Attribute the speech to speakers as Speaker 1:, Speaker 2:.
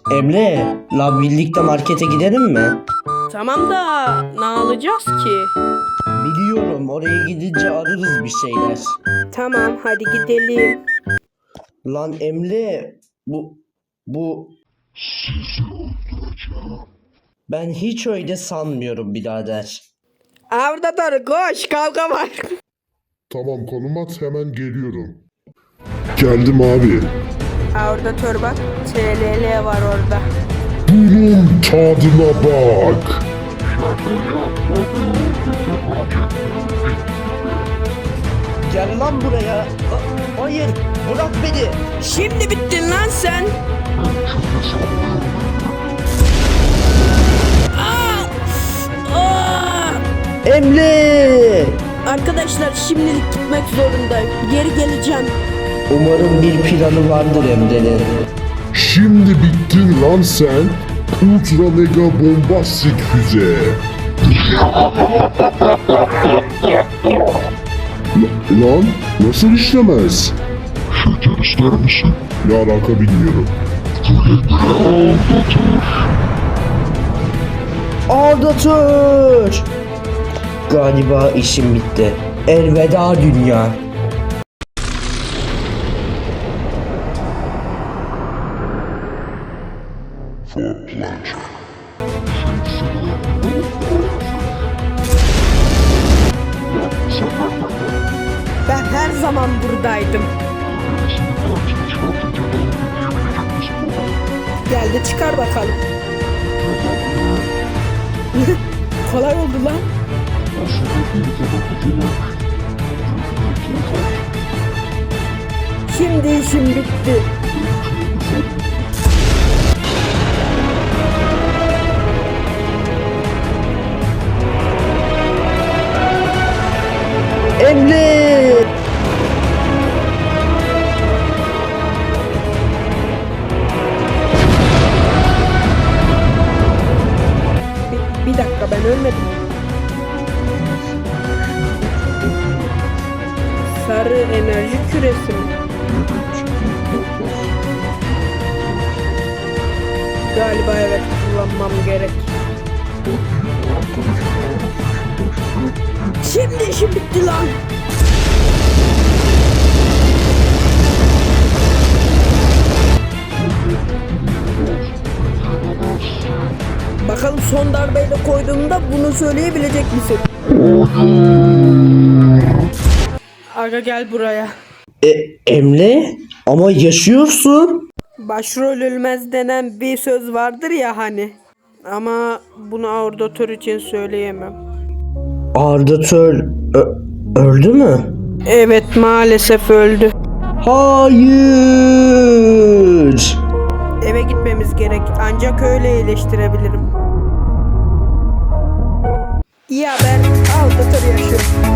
Speaker 1: Emre, la birlikte markete gidelim mi?
Speaker 2: Tamam da ne alacağız ki?
Speaker 1: Biliyorum, oraya gidince ararız bir şeyler.
Speaker 2: Tamam hadi gidelim.
Speaker 1: Lan Emre, bu... Ben hiç öyle sanmıyorum birader.
Speaker 2: Orada dur koş kavga var.
Speaker 3: Tamam konum at hemen geliyorum. Geldim abi.
Speaker 2: Orada dur bak TLL var orada.
Speaker 3: Bunun tadına bak.
Speaker 1: Gel lan buraya. Hayır, bırak beni.
Speaker 2: Şimdi bittin lan sen.
Speaker 1: Emre!
Speaker 2: Arkadaşlar şimdilik gitmek zorundayım. Geri geleceğim.
Speaker 1: Umarım bir planı vardır Emre'nin.
Speaker 3: Şimdi bittin lan sen. Ultra mega bombastik füze. Lan nasıl işlemez? Şeker ister misin? Ne alaka bilmiyorum.
Speaker 1: Aldatır! Galiba işim bitti. Elveda dünya.
Speaker 2: Ben her zaman buradaydım. Gel de çıkar bakalım. Kolay oldu lan. Şimdi işim bitti.
Speaker 1: Emre!
Speaker 2: Bir dakika ben ölmedim. Sarı enerji küresi mi? Galiba evet kullanmam gerek. Şimdi işim bitti lan. Bakalım son darbeyle koyduğumda bunu söyleyebilecek misin? Aga gel buraya.
Speaker 1: Emre? Ama yaşıyorsun.
Speaker 2: Başrol ölmez denen bir söz vardır ya hani. Ama bunu aordatör için söyleyemem.
Speaker 1: Ardatör öldü mü?
Speaker 2: Evet maalesef öldü.
Speaker 1: Hayır!
Speaker 2: Eve gitmemiz gerek. Ancak öyle iyileştirebilirim. İyi haber. Aordatör yaşıyor.